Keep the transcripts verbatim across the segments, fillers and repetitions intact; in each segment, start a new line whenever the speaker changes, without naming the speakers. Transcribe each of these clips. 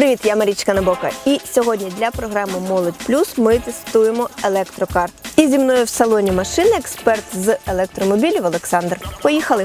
Привіт, я Марічка Набока. І сьогодні для програми «Молодь Плюс» ми тестуємо електрокар. І зі мною в салоні машини експерт з електромобілів Олександр. Поїхали!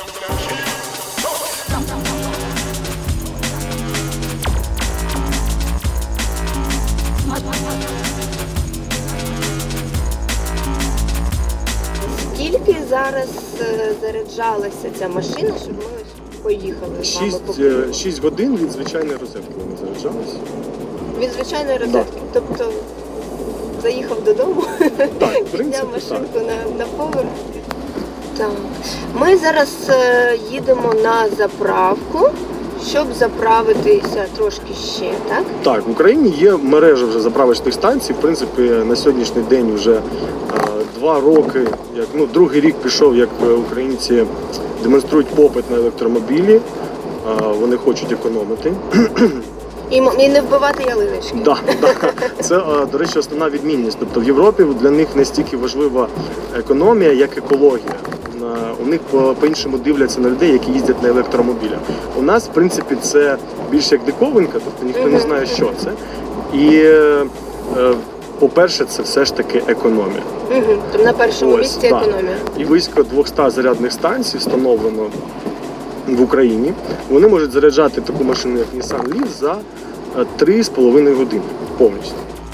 Скільки зараз заряджалася ця машина, щоб ми поїхали з вами покупати?
шість годин від звичайної розетки вони заряджалися.
Від звичайної розетки? Да. Тобто заїхав додому, підняв машинку на, на поверх. Так. Ми зараз е, їдемо на заправку, щоб заправитися трошки ще, так?
Так, в Україні є мережа вже заправочних станцій. В принципі, на сьогоднішній день вже е, два роки, як, ну, другий рік пішов, як українці демонструють попит на електромобілі. Е, вони хочуть економити.
І, і не вбивати ялиночки.
Да, да. Це, до речі, основна відмінність. Тобто в Європі для них настільки важлива економія, як екологія. У них по-іншому дивляться на людей, які їздять на електромобілях. У нас, в принципі, це більше як диковинка, тобто ніхто не знає, що це. І, по-перше, це все ж таки економія.
Угу. Тобто на першому Ось, місці да. економія.
І близько двохсот зарядних станцій встановлено в Україні. Вони можуть заряджати таку машину, як Nissan Leaf, за три з половиною години повністю.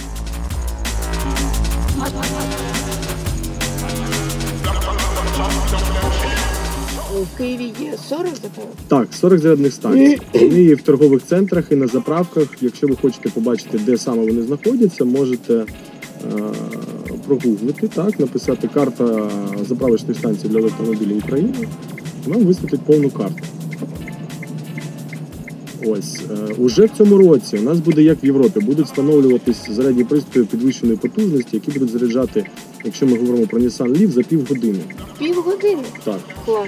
У Києві є сорок заправок?
Так, сорок зарядних станцій. Вони є в торгових центрах і на заправках. Якщо ви хочете побачити, де саме вони знаходяться, можете е прогуглити, так, написати «Карта заправочних станцій для електромобілів України». Вам висвітлить повну карту. Ось. Е уже в цьому році у нас буде, як в Європі, будуть встановлюватись зарядні пристрої підвищеної потужності, які будуть заряджати, якщо ми говоримо про Nissan Leaf, за півгодини.
Півгодини?
Так.
Клас.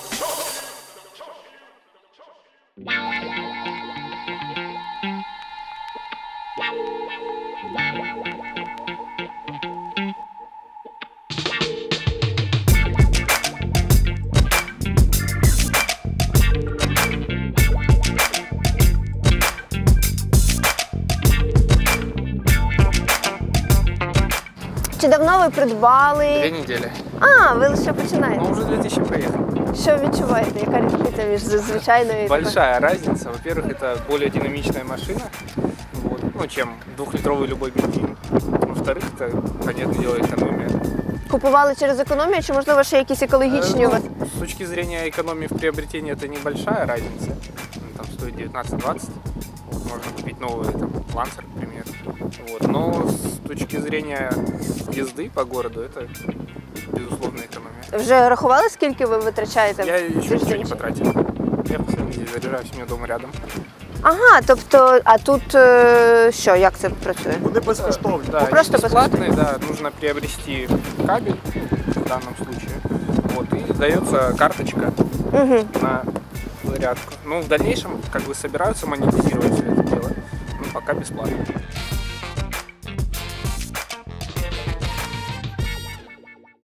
Чи давно ви придбали?
Две недели.
А, ви лише починаєте.
Ну, уже две тысячи проехал.
Що відчуваєте? Яка різниця між звичайною і
Большая разница. Во-первых, это более динамичная машина, вот, ну, чем двухлитровый любой бензин. Во-вторых, это, понятное дело, экономия.
Купували через економію, чи, можливо, ще якісь екологічні у вас?
Ну, с точки зрения экономии в приобретении это небольшая разница. Там стоит девятнадцать-двадцать. Вот, можно купить новый там, Lancer, к примеру. Вот. Но с точки зрения езды по городу это безусловно экономия.
Вже рахували, скільки ви витрачаєте?
Я еще ничего не потратил. Я постоянно здесь заряжаюсь, у меня дома рядом.
Ага, тобто, а тут що, як це працює?
Вони безкоштовні.
Да,
просто
бесплатные, да, нужно приобрести кабель в данном случае. Вот, и дается карточка
угу.
на зарядку. Ну, в дальнейшем, как бы, собираются монетизировать все это дело, но пока бесплатно.